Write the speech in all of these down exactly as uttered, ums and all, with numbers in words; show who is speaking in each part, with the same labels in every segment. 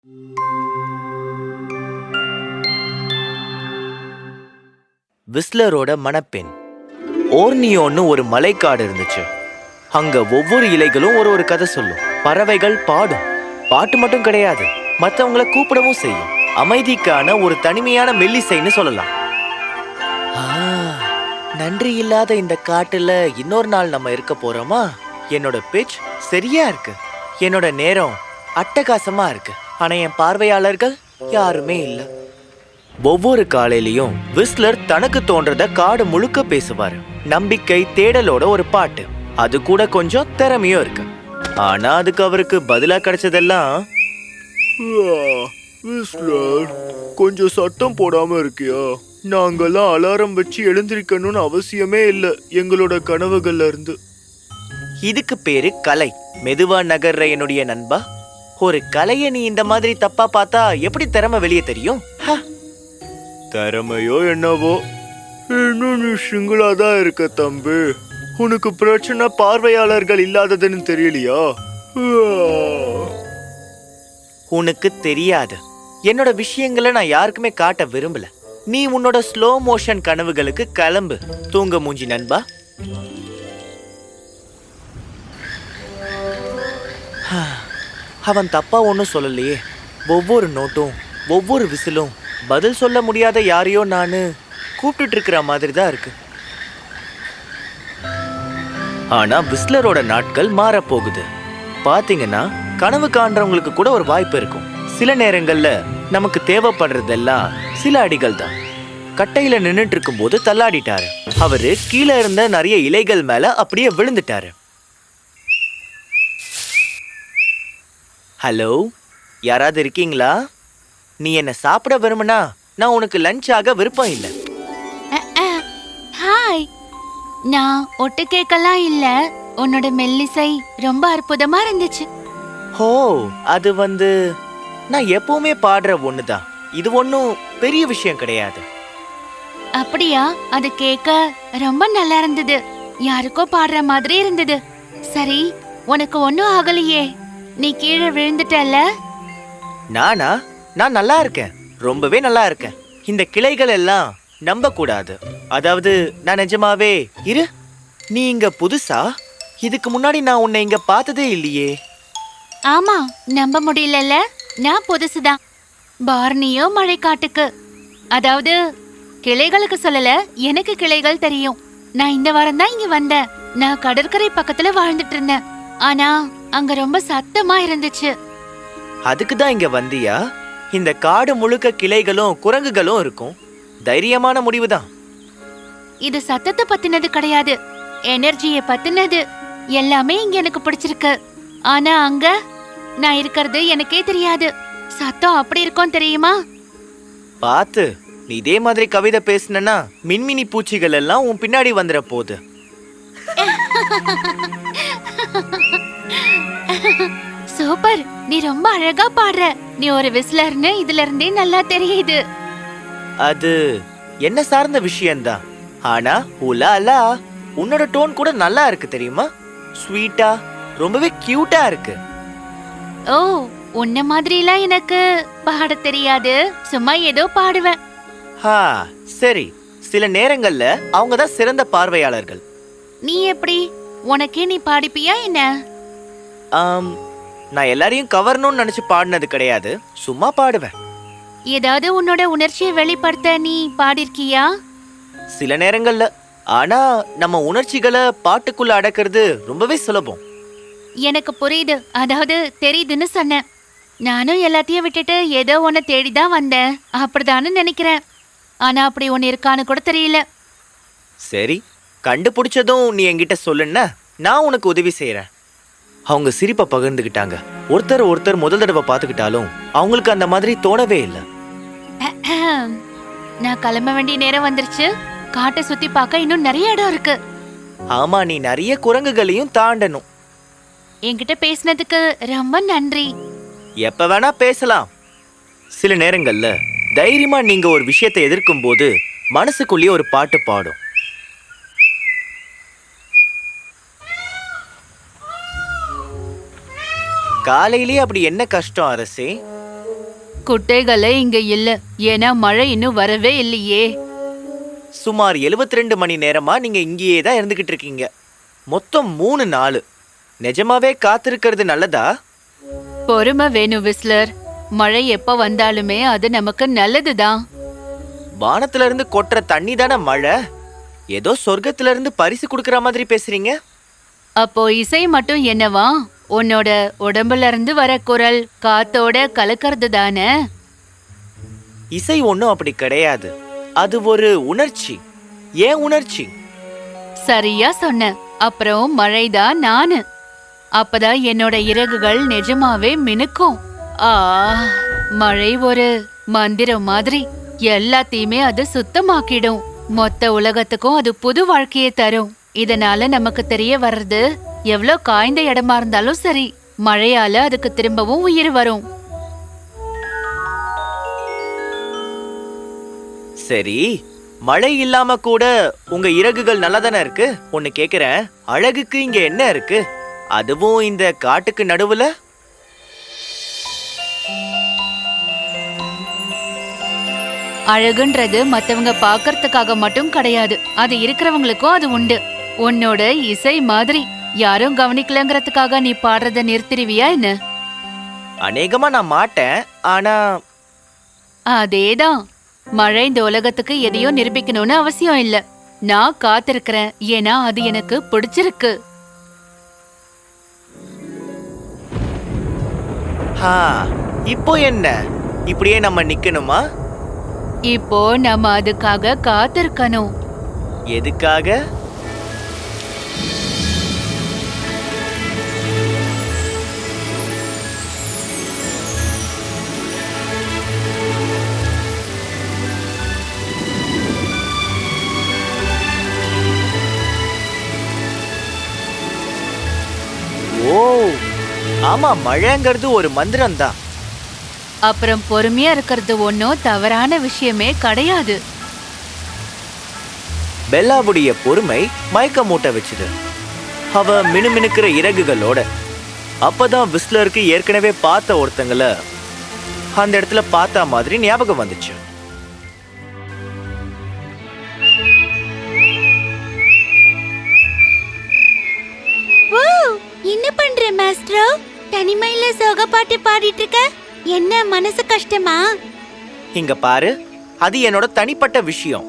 Speaker 1: விஸ்லரோட மணப்பெண். ஓர்னியோன்னு ஒரு மலைக்காடு இருந்துச்சு. அங்க ஒவ்வொரு இலைகளும் ஒரு ஒரு கதை சொல்லும். பறவைகள் பாடும். பாட்டு மட்டும் கிடையாது, மற்றவங்களை கூப்பிடவும் செய்யும். அமைதிக்கான ஒரு தனிமையான மெல்லிசைன்னு சொல்லலாம். நன்றி இல்லாத இந்த காட்டுல இன்னொரு நாள் நம்ம இருக்க போறோமா? என்னோட பிட்ச் சரியா இருக்கு, என்னோட நேரம் அட்டகாசமா இருக்கு. ஆனா என் பார்வையாளர்கள் யாருமே இல்லை. ஒவ்வொரு காலையிலையும் விஸ்லர் தனக்கு தோன்றத காடு முழுக்க பேசுவாரு. நம்பிக்கை, தேடலோட ஒரு பாட்டு. அது கூட கொஞ்சம் திறமையும் இருக்கு. ஆனா அதுக்கு அவருக்கு பதிலா கிடைச்சதெல்லாம், விஸ்லர், கொஞ்சம் சத்தம் போடாம இருக்கியா? நாங்கெல்லாம் அலாரம் வச்சு எழுந்திருக்கணும்னு அவசியமே இல்லை எங்களோட கனவுகள்ல இருந்து. இதுக்கு பேரு கலை. மெதுவா நகர்ற என்னுடைய நண்பா, ஒரு கலைய நீ இந்த மாதிரி தப்பா பார்த்தா எப்படி திறமை வெளியே தெரியும்? திறமையோ என்னவோ, இன்னும் நீ சிங்கிளா தான் இருக்க தம்பி. உனக்கு பிரச்சனை பார்வையாளர்கள் இல்லாததுன்னு தெரியலையா? உனக்கு தெரியாது. என்னோட விஷயங்களை நான் யாருக்குமே காட்ட விரும்பல. நீ உன்னோட ஸ்லோ மோஷன் கனவுகளுக்கு கிளம்பு. தூங்க மூஞ்சி நண்பா. அவன் தப்பா ஒன்னும் சொல்லலையே. ஒவ்வொரு நோட்டும் ஒவ்வொரு விசிலும் பதில் சொல்ல முடியாத யாரையோ நானு கூப்பிட்டு இருக்கிற மாதிரி தான் இருக்கு. ஆனா விஸ்லரோட நாட்கள் மாறப்போகுது. பாத்தீங்கன்னா கனவு காண்றவங்களுக்கு கூட ஒரு வாய்ப்பு இருக்கும். சில நேரங்கள்ல நமக்கு தேவைப்படுறதெல்லாம் சில அடிகள் தான். கட்டையில நின்னுட்டு இருக்கும் போது தள்ளாடிட்டாரு. அவரு கீழே இருந்த நிறைய இலைகள் மேல அப்படியே விழுந்துட்டாரு. ஹலோ, யாராவது இருக்கீங்களா? நீ என்ன சாப்பிட விரும்பினா நான் உனக்கு லஞ்ச் ஆக விருப்பம் இல்லை.
Speaker 2: ஹாய், நான் ஒட்டு கேட்கலாம் இல்ல. உன்னோட மெல்லிசை ரொம்ப அற்புதமா இருந்துச்சு.
Speaker 1: ஹோ, அது வந்து நான் எப்பவுமே பாடுற ஒண்ணுதான். இது ஒன்னும் பெரிய விஷயம் கிடையாது.
Speaker 2: அப்படியா? அது கேட்க ரொம்ப நல்லா இருந்தது. யாருக்கோ பாடுற மாதிரி இருந்தது. சரி, உனக்கு ஒன்னும் ஆகலையே. நீ கீழே விழுந்துட்டல்ல?
Speaker 1: நானா? நான் நல்லா இருக்கேன், ரொம்பவே நல்லா இருக்கேன். இந்த கிளைகள் எல்லாம் நம்ப கூடாது. அதாவது நான் நிஜமாவே. இரு, நீ இங்க புதுசா? இதுக்கு முன்னாடி நான் உன்னை இங்க பார்த்ததே இல்லையே.
Speaker 2: ஆமா, நம்ப முடியலல்ல. நான் புதுசுதான். பார்னியோ மழைக்காட்டுக்கு, அதாவது கிளைகளுக்கு சொல்லல, எனக்கு கிளைகள் தெரியும். நான் இந்த வாரம் தான் இங்க வந்தேன். நான் கடற்கரை பக்கத்துல வாழ்ந்துட்டு இருந்தேன். ஆனா அங்க ரொம்ப சத்தமா இருந்துச்சு.
Speaker 1: அதுக்கு தான் இங்க வந்தியா? இந்த காடு முழுக்க கிளைகளும் குரங்குகளும் இருக்கும். தைரியமான முடிவுதான்.
Speaker 2: இது சத்தத்தை பத்தினது கிடையாது, எனர்ஜியை பத்தினது. எல்லாமே இங்க எனக்கு பிடிச்சிருக்கு. ஆனா அங்க நான் இருக்கிறது எனக்கே தெரியாது. சத்தம் அப்படி இருக்கும் தெரியுமா?
Speaker 1: பாத்து, நீ இதே மாதிரி கவிதை பேசுனா மின்மினி பூச்சிகள் எல்லாம் உன் பின்னாடி வந்துட போகுது.
Speaker 2: சூப்பர், நீ ரொம்ப அழகா பாடுற. நீ ஒரு விஸ்லர்னு இதுல இருந்தே நல்லா தெரியுது.
Speaker 1: அது என்ன சார்ந்த விஷயம்தான். ஆனா உலாலா, உன்னோட டோன் கூட நல்லா இருக்கு தெரியுமா? ஸ்வீட்டா, ரொம்பவே கியூட்டா இருக்கு.
Speaker 2: ஓ, உன்ன மாதிரிலாம் எனக்கு பாட தெரியாது. சும்மா ஏதோ பாடுவேன்.
Speaker 1: ஹா, சரி. சில நேரங்கள்ல அவங்க தான் சிறந்த பார்வையாளர்கள்.
Speaker 2: நீ எப்படி? உனக்கே நீ பாடிப்பியா என்ன?
Speaker 1: ஆம், நான் எல்லாரையும் கவரணும்னு நினைச்சு பாடினது கிடையாது, சும்மா பாடுவேன்.
Speaker 2: ஏதாவது உன்னோட உணர்ச்சியை வெளிப்படுத்த நீ பாடிருக்கியா?
Speaker 1: சில நேரங்கள்ல. ஆனா நம்ம உணர்ச்சிகளை பாட்டுக்குள்ள அடக்கிறது ரொம்பவே சுலபம்.
Speaker 2: எனக்கு புரியுது, அதாவது தெரியுதுன்னு சொன்னேன். நானும் எல்லாத்தையும் விட்டுட்டு ஏதோ ஒன்ன தேடிதான் வந்தேன். அப்படிதான்னு நினைக்கிறேன். ஆனா அப்படி ஒன்னு இருக்கான்னு கூட தெரியல.
Speaker 1: சரி, கண்டுபிடிச்சதும் நீ என்கிட்ட சொல்லுன்னா நான் உனக்கு உதவி செய்யறேன். அவங்க சிரிப்பை பகிர்ந்துகிட்டாங்க. ஒருத்தர் ஒருத்தர் முதல் தடவை பார்த்துக்கிட்டாலும் அவங்களுக்கு அந்த மாதிரி தோணவே இல்லை.
Speaker 2: நான் கிளம்ப வேண்டிய நேரம் வந்துருச்சு. காட்டை சுத்தி பார்க்க இன்னும் நிறைய இடம் இருக்கு.
Speaker 1: ஆமா, நீ நிறைய குரங்குகளையும் தாண்டணும்.
Speaker 2: என்கிட்ட பேசினதுக்கு ரொம்ப நன்றி.
Speaker 1: எப்ப வேணா பேசலாம். சில நேரங்கள்ல தைரியமா நீங்க ஒரு விஷயத்தை எதிர்க்கும் போது மனசுக்குள்ளேயே ஒரு பாட்டு பாடும். காலையிலேயே அப்படி என்ன கஷ்டம் அரசே?
Speaker 2: குட்டைகளே இங்க இல்ல, ஏன்னா மழை இன்னும் வரவே இல்லையே.
Speaker 1: சுமார் எழுபத்தி ரெண்டு மணி நேரமா நீங்க இங்கேயே தான் இருந்துகிட்டு இருக்கீங்க. மொத்தம் மூணு நாள். நிஜமாவே காத்திருக்கிறது நல்லதா?
Speaker 2: பொறுமை வேணும் விஸ்லர். மழை எப்ப வந்தாலுமே அது நமக்கு நல்லதுதான்.
Speaker 1: வானத்துல இருந்து கொட்டுற தண்ணி தானே மழை. ஏதோ சொர்க்கத்துல இருந்து பரிசு கொடுக்கற மாதிரி பேசுறீங்க.
Speaker 2: அப்போ இசை மட்டும் என்னவா? உன்னோட உடம்புல இருந்து வர குரல் காத்தோட கலக்கிறது தானே.
Speaker 1: இசை ஒன்றும் அப்படி கிடையாது. அது ஒரு உணர்ச்சி. ஏன் உணர்ச்சி?
Speaker 2: சரியா சொன்ன. அப்புறம் மழைதான் நானு. அப்பதான் என்னோட இறகுகள் நிஜமாவே மினுக்கும். ஆ, மழை ஒரு மந்திரம் மாதிரி. எல்லாத்தையுமே அது சுத்தமாக்கிடும். மொத்த உலகத்துக்கும் அது புது வாழ்க்கையை தரும். இதனால நமக்கு தெரிய வர்றது, எவ்வளோ காய்ந்த இடமா இருந்தாலும் சரி, மழையால அதுக்கு திரும்பவும் உயிர் வரும்.
Speaker 1: சரி, மழை இல்லாம கூட உங்க இறகுகள் நல்லா தானே இருக்கு. ஒன்னு கேக்குறேன், அழகுக்கு இங்க என்ன இருக்கு? அதுவும் இந்த காட்டுக்கு நடுவுல.
Speaker 2: அழகுன்றது மத்தவங்க பாக்கறதுக்காக மட்டும் கிடையாது, அது இருக்கிறவங்களுக்கும் அது உண்டு. உன்னோட இசை மாதிரி யாரும் கவனிக்கலங்கிறதுக்காக நீ பாடுறத நிறுத்திடுவியா என்ன?
Speaker 1: அநேகமா நான் மாட்டேன். ஆனா
Speaker 2: அதேதான். மழை இந்த உலகத்துக்கு எதையோ நிரூபிக்கணும்னு அவசியம் இல்ல. நான் காத்திருக்கிறேன், ஏன்னா அது எனக்கு பிடிச்சிருக்கு.
Speaker 1: ஹா, இப்போ என்ன? இப்படியே நம்ம நிக்கணுமா?
Speaker 2: இப்போ நம்ம அதுக்காக காத்திருக்கணும்.
Speaker 1: எதுக்காக? ஓ, ஆமா, மழைங்கிறது ஒரு மந்திரம் தான்.
Speaker 2: அப்புறம் பொறுமையா இருக்கிறது ஒன்னும் தவறான விஷயமே கிடையாது.
Speaker 1: பெல்லாவுடைய பொறுமை மயக்க மூட்ட வச்சுது. அவ மினுமினுக்கிற இறகுகளோட. அப்பதான் விஸ்லருக்கு ஏற்கனவே பார்த்த ஒருத்தங்கள அந்த இடத்துல பார்த்த மாதிரி ஞாபகம் வந்துச்சு.
Speaker 2: என்ன பண்ற மாஸ்டரோ? தனிமையில சோக பாட்டு பாடிட்டு இருக்க? என்ன மனசு கஷ்டமா?
Speaker 1: இங்க பாரு, அது என்னோட தனிப்பட்ட விஷயம்.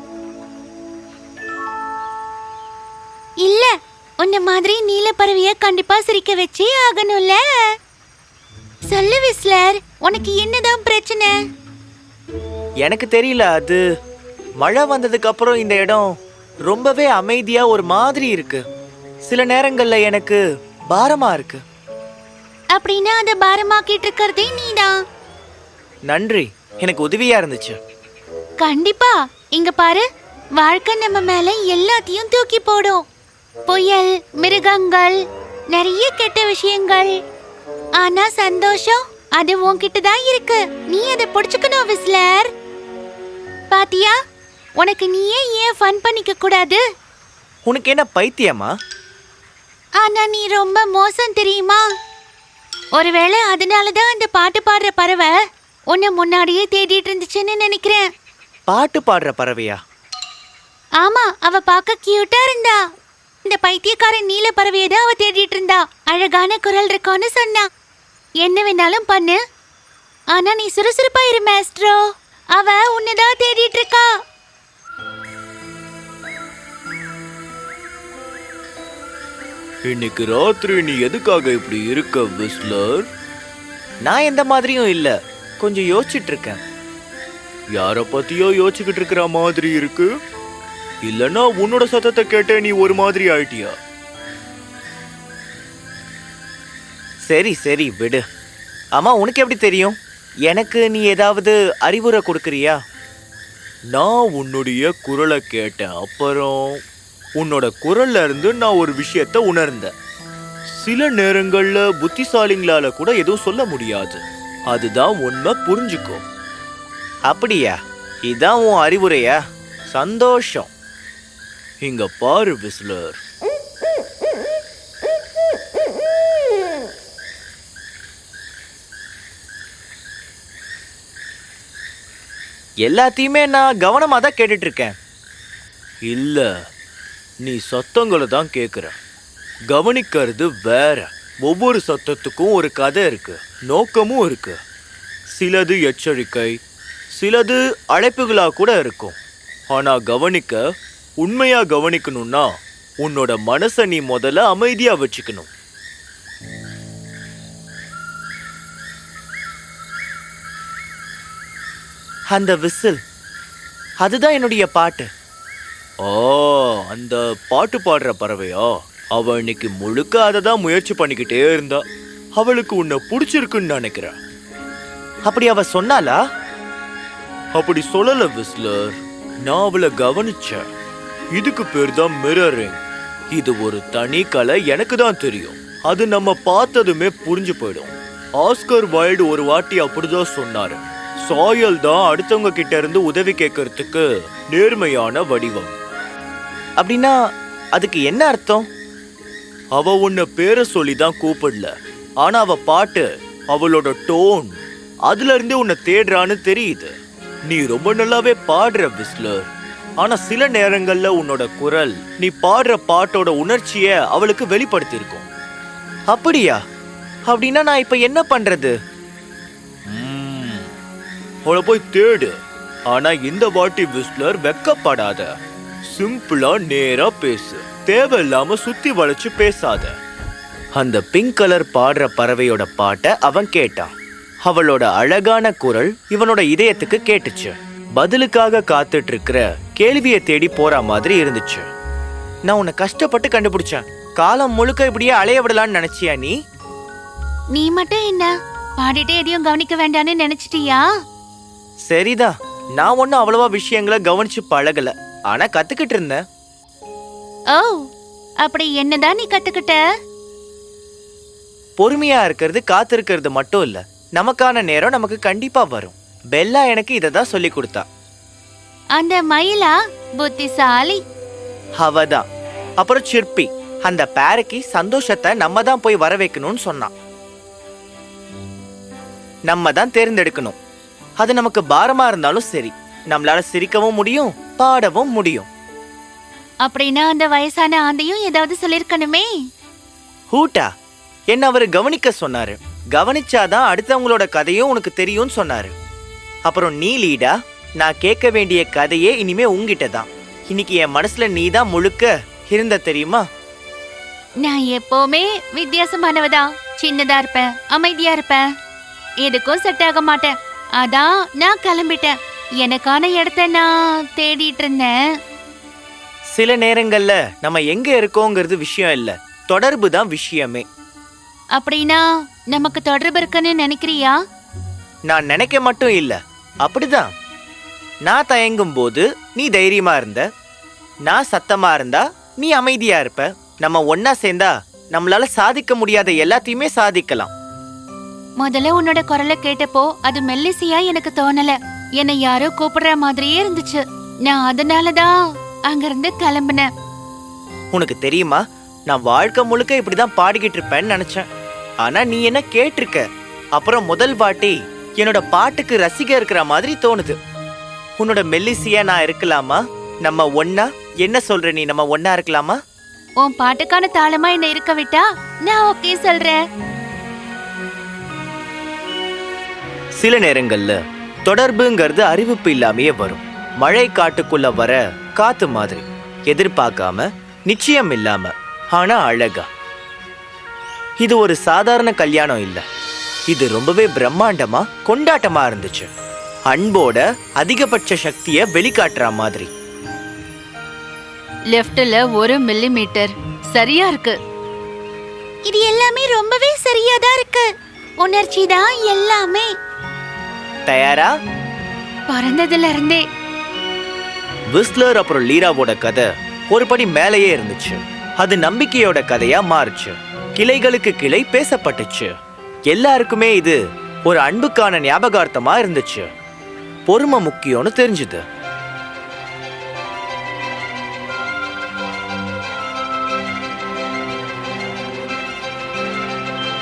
Speaker 2: இல்ல, உன்ன மாதிரி நீல பறவைய கண்டிப்பா சிரிக்க வச்சே ஆகணும்ல. சொல்லு விஸ்லர், உனக்கு என்னதான் பிரச்சனை?
Speaker 1: எனக்கு தெரியல. அது மழை வந்ததுக்கு அப்புறம் இந்த இடம் ரொம்பவே அமைதியா ஒரு மாதிரி இருக்கு. சில நேரங்கள்ல எனக்கு பாரமா இருக்கு.
Speaker 2: அப்படின்னா அத பாரமாக்கிட்டு இருக்கிறதே நீதான்.
Speaker 1: நன்றி, எனக்கு உதவியா இருந்துச்சு.
Speaker 2: கண்டிப்பா. இங்க பாரு, வாழ்க்கை நம்ம மேல எல்லாத்தையும் தூக்கி போடும். புயல், மிருகங்கள், நிறைய கெட்ட விஷயங்கள். ஆனா சந்தோஷம் அது உன்கிட்ட தான் இருக்கு. நீ அதை புடிச்சுக்கணும் விஸ்லர். பாத்தியா, உனக்கு நீயே ஏன் ஃபன் பண்ணிக்க கூடாது?
Speaker 1: உனக்கு என்ன பைத்தியமா?
Speaker 2: ஆனா நீ ரொம்ப மோசம் தெரியுமா? ஒருவேளை அதனாலதான் அந்த பாட்டு பாடுற பறவை உன்னை முன்னாடியே தேடிட்டு இருந்துச்சுன்னு நினைக்கிறேன்.
Speaker 1: பாட்டு பாடுற பறவையா?
Speaker 2: ஆமா, அவ பார்க்க கியூட்டா இருந்தா. இந்த பைத்தியக்காரன் நீல பறவையை தான் அவ தேடிட்டு இருந்தா. அழகான குரல் இருக்கும்னு சொன்னா. என்ன வேணாலும் பண்ணு, ஆனா நீ சுறுசுறுப்பா இரு மாஸ்ட்ரோ. அவ உன்னதான் தேடிட்டு இருக்கா.
Speaker 1: இன்னைக்கு ராத்திரி நீ எதுக்காக இப்படி இருக்க விஸ்லர்? நான் எந்த மாதிரியும் இல்ல, கொஞ்சம் யோசிச்சுட்டு இருக்கேன். யார பத்தியோ யோசிச்சுக்கிட்டு இருக்கிற மாதிரி இருக்கு. இல்லனா உன்னோட சத்தத்தை கேட்ட நீ ஒரு மாதிரி ஆயிட்டியா? சரி சரி விடு. ஆமா, உனக்கு எப்படி தெரியும்? எனக்கு நீ ஏதாவது அறிவுரை கொடுக்கறியா? நான் உன்னுடைய குரலை கேட்டேன். அப்புறம் உன்னோட குரல்ல இருந்து நான் ஒரு விஷயத்த உணர்ந்தேன். சில நேரங்கள்ல புத்திசாலிங்களால கூட எதுவும் சொல்ல முடியாது. அதுதான் உண்மை, புரிஞ்சுக்கோ. அப்படியா? இதான் உன் அறிவுரையா? சந்தோஷம். இங்க பாரு விஸ்லர், எல்லாத்தையுமே நான் கவனமா தான் கேட்டுட்டு இருக்கேன். இல்ல, நீ சத்தங்களை தான் கேக்குற. கவனிக்கிறது வேற. ஒவ்வொரு சத்தத்துக்கும் ஒரு கதை இருக்கு, நோக்கமும் இருக்கு. சிலது எச்சரிக்கை, சிலது அழைப்புகளா கூட இருக்கும். ஆனா கவனிக்க, உண்மையா கவனிக்கணும்னா உன்னோட மனசை நீ முதல்ல அமைதியா வச்சுக்கணும். அந்த விசில், அதுதான் என்னுடைய பாட்டு. ஓ, அந்த பாட்டு பாடுற பறவையா? அவ இன்னைக்கு முழுக்க அதை தான் முயற்சி பண்ணிக்கிட்டே இருந்தா. அவளுக்கு உன்னை பிடிச்சிருக்குன்னு நினைக்கிறேன். அப்படி அவ சொன்னாலா? அப்படி சொல்லல விஸ்லர், நான் அவளை கவனிச்சேன். இதுக்கு பேர் தான் மிரரிங். இது ஒரு தனி கலை, எனக்கு தான் தெரியும். அது நம்ம பார்த்ததுமே புரிஞ்சு போயிடும். ஆஸ்கர் வைல்டு ஒரு வாட்டி அப்படிதான் சொன்னாரு. சாயல் தான் அடுத்தவங்க கிட்ட இருந்து உதவி கேட்கறதுக்கு நேர்மையான வடிவம். அப்படின்னா அதுக்கு என்ன அர்த்தம்? அவ உன்னை பேரை சொல்லி தான் கூப்பிடல, ஆனா அவ பாட்டு, அவளோட டோன், அதுல இருந்தே உன்னை தேடுறான்னு தெரியுது. நீ ரொம்ப நல்லாவே பாடுற விஸ்லர். ஆனா சில நேரங்கள்ல உன்னோட குரல் நீ பாடுற பாட்டோட உணர்ச்சிய அவளுக்கு வெளிப்படுத்தி இருக்கும். அப்படியா? அப்படின்னா நான் இப்ப என்ன பண்றது? அவளை போய் தேடு. ஆனா இந்த வாட்டி விஸ்லர் வெக்கப்படாத. சிம்பிளா நேரா பேசு. தேவையில்லாம சுத்தி வளைச்சு பேசாத. அந்த பிங்க் கலர் பாடுற பறவையோட பாட்டை அவன் கேட்டான். அவளோட அழகான குரல் இவனோட இதயத்துக்கு கேட்டுச்சு. பதிலுக்காக காத்துட்டு இருக்கிற கேள்வியை தேடி போற மாதிரி இருந்துச்சு. நான் உன்னை கஷ்டப்பட்டு கண்டுபிடிச்சேன். காலம் முழுக்க இப்படியே அலைய விடலான்னு நினைச்சியா நீ?
Speaker 2: நீ மட்டும் என்ன பாடிட்டே எதையும் கவனிக்க வேண்டான்னு நினைச்சிட்டியா?
Speaker 1: சரிதான், நான் ஒன்னும் அவ்வளவா விஷயங்களை கவனிச்சு பழகல, ஆனா கத்துக்கிட்டு இருந்தேன்.
Speaker 2: ஓ, அப்படி என்னதான் நீ கத்துக்கிட்ட?
Speaker 1: பொறுமையா இருக்கிறது, காத்திருக்கிறது மட்டும் இல்ல, நமக்கான நேரம் நமக்கு கண்டிப்பா வரும். பெல்லா எனக்கு இததான் சொல்லி கொடுத்தா.
Speaker 2: அந்த மயிலா புத்திசாலி.
Speaker 1: அவதான். அப்புறம் சிற்பி, அந்த பேரக்கி சந்தோஷத்தை நம்ம தான் போய் வர வைக்கணும்னு சொன்னான். நம்ம தான் தேர்ந்தெடுக்கணும். அது நமக்கு பாரமா இருந்தாலும் சரி, நம்மளால சிரிக்கவும் முடியும், பாடவும் முடியும்.
Speaker 2: அப்படின்னா அந்த வயசான ஆந்தையும் ஏதாவது சொல்லிருக்கணுமே.
Speaker 1: ஹூட்டா, என்ன அவரு கவனிக்க சொன்னாரு. கவனிச்சாதான் அடுத்தவங்களோட கதையும் உனக்கு தெரியும்னு சொன்னாரு. அப்புறம் நீ லீடா, நான் கேட்க வேண்டிய கதையே இனிமே உங்ககிட்ட தான். இன்னைக்கு என் மனசுல நீ தான் முழுக்க இருந்த, தெரியுமா?
Speaker 2: நான் எப்பவுமே வித்தியாசமானவதான். சின்னதா இருப்பேன், அமைதியா இருப்பேன், எதுக்கும் செட் ஆக மாட்டேன். அதான் நான் கிளம்பிட்டேன். எனக்கான இடத்த நான் தேடிட்டு இருந்தேன்.
Speaker 1: சில நேரங்கள்ல நம்ம எங்க இருக்கோங்கிறது விஷயம் இல்ல, தொடர்பு தான் விஷயமே.
Speaker 2: அப்படின்னா நமக்கு தொடர்பு இருக்குன்னு நினைக்கிறியா?
Speaker 1: நான் நினைக்க மட்டும் இல்ல, அப்படிதான். நான் தயங்கும் போது நீ தைரியமா இருந்த, நான் சத்தமா இருந்தா நீ அமைதியா இருப்ப. நம்ம ஒன்னா சேர்ந்தா நம்மளால சாதிக்க முடியாத எல்லாத்தையுமே சாதிக்கலாம்.
Speaker 2: முதல்ல உன்னோட குரலை கேட்டப்போ அது மெல்லிசையா எனக்கு தோணல. என்னை யாரோ கூப்பிடுற மாதிரியே இருந்துச்சு. நான் அதனாலதான் அங்கிருந்து கிளம்புனேன்.
Speaker 1: உனக்கு தெரியுமா, நான் வாழ்க்கை முழுக்க இப்படிதான் பாடிக்கிட்டு இருப்பேன்னு நினைச்சேன். ஆனா நீ என்ன கேட்டிருக்க. அப்புறம் முதல் வாட்டி என்னோட பாட்டுக்கு ரசிக இருக்கிற மாதிரி தோணுது. உன்னோட மெல்லிசையா நான் இருக்கலாமா? நம்ம ஒன்னா, என்ன சொல்ற நீ, நம்ம ஒன்னா இருக்கலாமா?
Speaker 2: உன் பாட்டுக்கான தாளமா என்ன இருக்க விட்டா நான் ஓகே சொல்றேன்.
Speaker 1: சில நேரங்கள்ல தொடர்புங்கிறது அறிவிப்பு இல்லாமையே வரும். மழை காட்டுக்குள்ள வர காத்து மாதிரி, எதிர்பார்க்காம, நிச்சயம் இல்லாம, ஆனா அழகா. இது ஒரு சாதாரண கல்யாணம் இல்ல, இது ரொம்பவே பிரம்மாண்டமா, கொண்டாட்டமா இருந்துச்சு. அன்போட அதிகபட்ச சக்தியை வெளிக்காட்டுற மாதிரி.
Speaker 2: லெஃப்ட்ல ஒரு மில்லி மீட்டர் சரியா இருக்கு. இது எல்லாமே ரொம்பவே சரியாதான் இருக்கு. உணர்ச்சி தான் எல்லாமே.
Speaker 1: தயாரா?
Speaker 2: பிறந்ததுல இருந்தே.
Speaker 1: விஸ்லர் அப்புறம் லீராவோட கதை ஒரு படி மேலேயே இருந்துச்சு. அது நம்பிக்கையோட கதையா மாறுச்சு. கிளைகளுக்கு கிளை பேசப்பட்டுச்சு. எல்லாருக்குமே இது ஒரு அன்புக்கான ஞாபகார்த்தமா இருந்துச்சு. பொறுமை முக்கியம்னு தெரிஞ்சுது.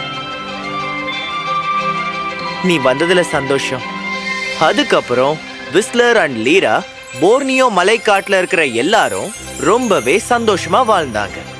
Speaker 1: நீ வந்ததுல சந்தோஷம். அதுக்கப்புறம் விஸ்லர் அண்ட் லீரா போர்னியோ மலைக்காட்டுல இருக்கிற எல்லாரும் ரொம்பவே சந்தோஷமா வாழ்ந்தாங்க.